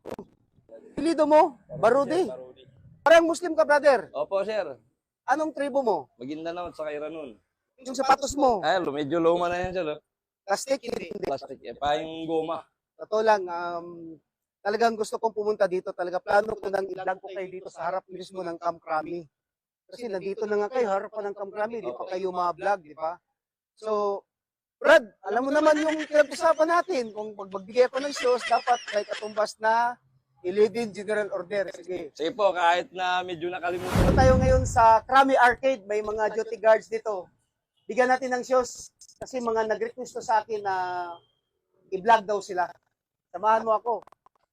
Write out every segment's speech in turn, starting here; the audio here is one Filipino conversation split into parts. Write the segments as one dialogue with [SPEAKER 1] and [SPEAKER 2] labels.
[SPEAKER 1] Apelido mo? Barudi.
[SPEAKER 2] Barudi.
[SPEAKER 1] Parang Muslim ka, brother.
[SPEAKER 2] Opo, sir.
[SPEAKER 1] Anong tribo mo?
[SPEAKER 2] Maguindanao at saka Iranon.
[SPEAKER 1] Yung sapatos mo?
[SPEAKER 2] Ay, medyo luma na yan, sir.
[SPEAKER 1] Plastic? Hindi.
[SPEAKER 2] Plastic. Pa yung goma.
[SPEAKER 1] Totoo lang, talagang gusto kong pumunta dito. Talaga plano ko nang i-vlog ko kayo dito sa harap mismo ng Camp Crami. Kasi nandito na nga kayo, harap pa ng Camp Crami. Di pa kayo ma-vlog, di ba? So, Brad, alam mo naman yung pinag-usapan natin. Kung magbigay ako ng shows, dapat may katumbas na 11 General Order. Sige.
[SPEAKER 2] Sige po, kahit na medyo nakalimutan.
[SPEAKER 1] Ito tayo ngayon sa Crami Arcade. May mga duty guards dito. Bigyan natin ng shows kasi mga nag-request sa akin na i-vlog daw sila. Samahan mo ako.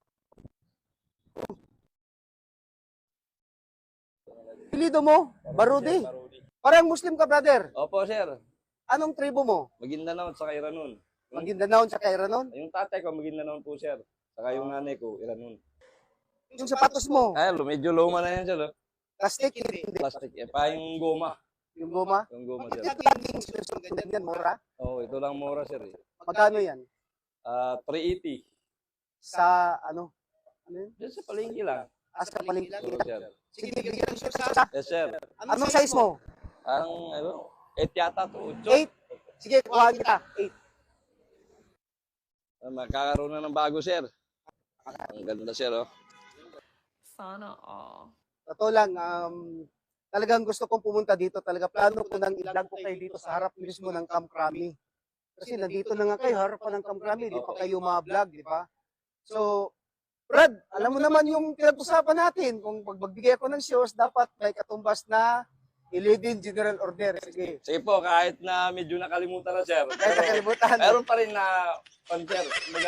[SPEAKER 1] Apelido mo? Barudi.
[SPEAKER 2] Barudi.
[SPEAKER 1] Parang Muslim ka, brother.
[SPEAKER 2] Opo, sir.
[SPEAKER 1] Anong tribo mo?
[SPEAKER 2] Maguindanao at saka Iranon.
[SPEAKER 1] Maguindanao sa Iranon?
[SPEAKER 2] Yung tatay ko, Maguindanao po, sir. Saka yung nanay ko, Iranon.
[SPEAKER 1] Yung sapatos mo?
[SPEAKER 2] Ay, medyo luma na yan, sir.
[SPEAKER 1] Plastic? Hindi.
[SPEAKER 2] Plastic. Pa yung goma.
[SPEAKER 1] Yung goma?
[SPEAKER 2] Yung goma, sir.
[SPEAKER 1] Bakit laging sinusunod yan, mura?
[SPEAKER 2] Oo, ito lang mura, sir.
[SPEAKER 1] Magkano yan?
[SPEAKER 2] 380.
[SPEAKER 1] Sa ano? Ano yun?
[SPEAKER 2] Diyan sa palengke lang.
[SPEAKER 1] Sa palengke.
[SPEAKER 2] Oo, sir.
[SPEAKER 1] Sige, bigyan ng sa.
[SPEAKER 2] Yes, sir.
[SPEAKER 1] Anong size mo?
[SPEAKER 2] Ang, 8 yata to.
[SPEAKER 1] 8? Sige, kuhaan kita. 8.
[SPEAKER 2] Magkakaroon na ng bago, sir. Ang ganda, sir, oh.
[SPEAKER 3] Sana all.
[SPEAKER 1] Totoo lang, talagang gusto kong pumunta dito. Talaga plano ko nang i-vlog ko kayo dito sa harap mismo ng Camp Crami. Kasi nandito na nga kayo, harap pa ng Camp Crami. Di pa kayo ma-vlog, di ba? So, Brad, alam mo naman yung pinag-usapan natin. Kung magbigay ako ng shows, dapat may katumbas na 11 General Order. Sige.
[SPEAKER 2] Sige po, kahit na medyo nakalimutan na, sir.
[SPEAKER 1] Kahit nakalimutan.
[SPEAKER 2] Meron pa rin na, sir,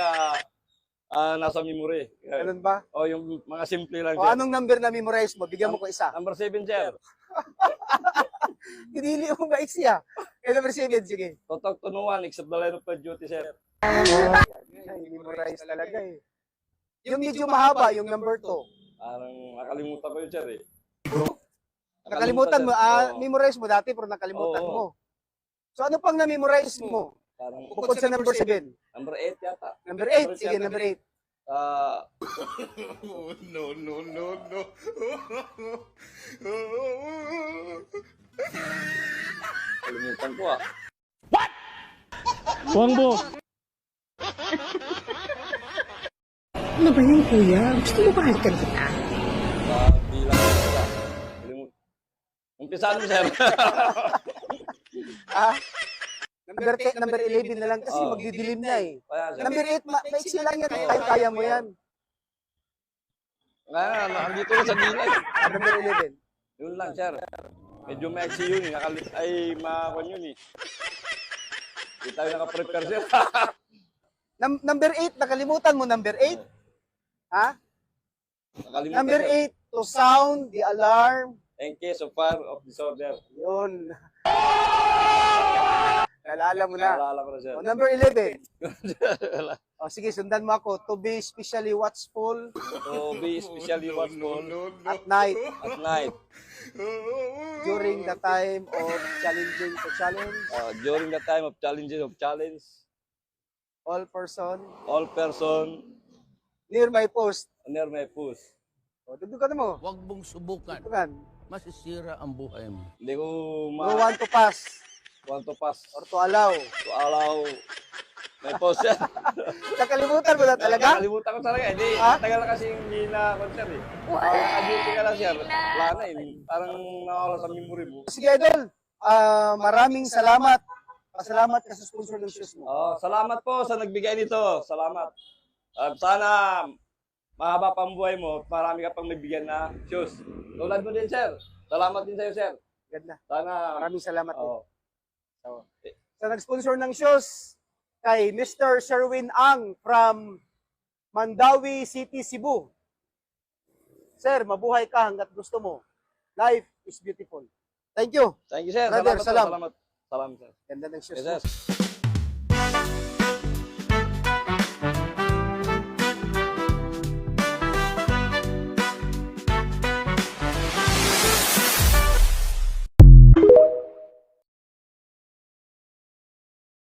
[SPEAKER 2] nasa memory.
[SPEAKER 1] Ganun ba?
[SPEAKER 2] O, yung mga simple lang,
[SPEAKER 1] O
[SPEAKER 2] sir.
[SPEAKER 1] anong number na memorize mo? Bigyan mo ko isa.
[SPEAKER 2] Number 7, sir.
[SPEAKER 1] Hinili mo ba siya? Number 7, sige.
[SPEAKER 2] Totok tunuan, except the line of duty, sir.
[SPEAKER 1] Memorize talaga eh. Yung medyo mahaba, yung number 2.
[SPEAKER 2] Parang nakalimutan ko yun, sir, eh.
[SPEAKER 1] Nakalimutan mo,
[SPEAKER 2] sir. Oo.
[SPEAKER 1] memorize mo dati pero nakalimutan
[SPEAKER 2] Oo.
[SPEAKER 1] mo. So ano pang na-memorize mo?
[SPEAKER 2] Parang,
[SPEAKER 1] Bukod sa number 7.
[SPEAKER 2] number 8 yata.
[SPEAKER 1] Number 8, sige, number 8.
[SPEAKER 4] No.
[SPEAKER 2] Kalimutan ko, ah.
[SPEAKER 5] Ano ba yun, kuya? Gusto mo ba halikan kita?
[SPEAKER 2] Bilang ko sila. Umpisa mo, sir.
[SPEAKER 1] Ah? Number 11 na lang kasi
[SPEAKER 2] Oo.
[SPEAKER 1] magdidilim na eh.
[SPEAKER 2] Kaya, sir.
[SPEAKER 1] Number 8, maiksi lang yan. Kaya mo yan.
[SPEAKER 2] Kaya, nandito na sa gilid.
[SPEAKER 1] Number 11.
[SPEAKER 2] Yun lang, sir. Medyo maxi yun, eh. Ay, makakon yun, eh. Hindi tayo nakaprepare, sir.
[SPEAKER 1] Number 8, nakalimutan mo number 8? Ha?
[SPEAKER 2] Nakalimutan,
[SPEAKER 1] Number
[SPEAKER 2] sir.
[SPEAKER 1] 8, to sound the alarm.
[SPEAKER 2] In case of fire of disorder.
[SPEAKER 1] Yun. Naalala mo na.
[SPEAKER 2] Naalala ko na, sir.
[SPEAKER 1] O, number 11. O, sige, sundan mo ako. To be especially watchful
[SPEAKER 2] So, be especially watchful
[SPEAKER 1] at night
[SPEAKER 2] at night.
[SPEAKER 1] during the time of challenging to challenge.
[SPEAKER 2] During the time of challenge,
[SPEAKER 1] All person
[SPEAKER 2] all person
[SPEAKER 1] near my post.
[SPEAKER 2] near my post.
[SPEAKER 1] O, dudugan mo.
[SPEAKER 4] Huwag mong subukan.
[SPEAKER 1] Dudugan.
[SPEAKER 4] Masisira ang buhay mo.
[SPEAKER 2] Hindi ko
[SPEAKER 1] No want to pass
[SPEAKER 2] want to pass
[SPEAKER 1] or to allow.
[SPEAKER 2] to allow my post, sir.
[SPEAKER 1] Nakalimutan mo na talaga?
[SPEAKER 2] Nakalimutan ko talaga. Hindi,
[SPEAKER 1] Ha?
[SPEAKER 2] tagal na kasi hindi na concert, eh. Nag-duty ka lang, sir. Wala na, eh. Parang nawawala sa memory mo.
[SPEAKER 1] Sige, Idol. Maraming salamat. Pasalamat ka sa sponsor ng shoes mo.
[SPEAKER 2] Salamat po sa nagbigay nito. Salamat. At sana mahaba pang buhay mo at marami ka pang nabigyan na shoes. Tulad mo din, sir. Salamat din sa'yo, sir.
[SPEAKER 1] Ganda.
[SPEAKER 2] Sana,
[SPEAKER 1] Maraming salamat din.
[SPEAKER 2] oo.
[SPEAKER 1] Sa nag-sponsor ng shoes, kay Mr. Sherwin Ang from Mandawi City, Cebu. Sir, mabuhay ka hanggat gusto mo. Life is beautiful. Thank you.
[SPEAKER 2] Thank you, sir.
[SPEAKER 1] Brother,
[SPEAKER 2] Salamat po.
[SPEAKER 1] salam.
[SPEAKER 2] Salamat. Salam, sir.
[SPEAKER 1] Ganda ng shoes
[SPEAKER 2] Yes,
[SPEAKER 1] mo.
[SPEAKER 2] sir.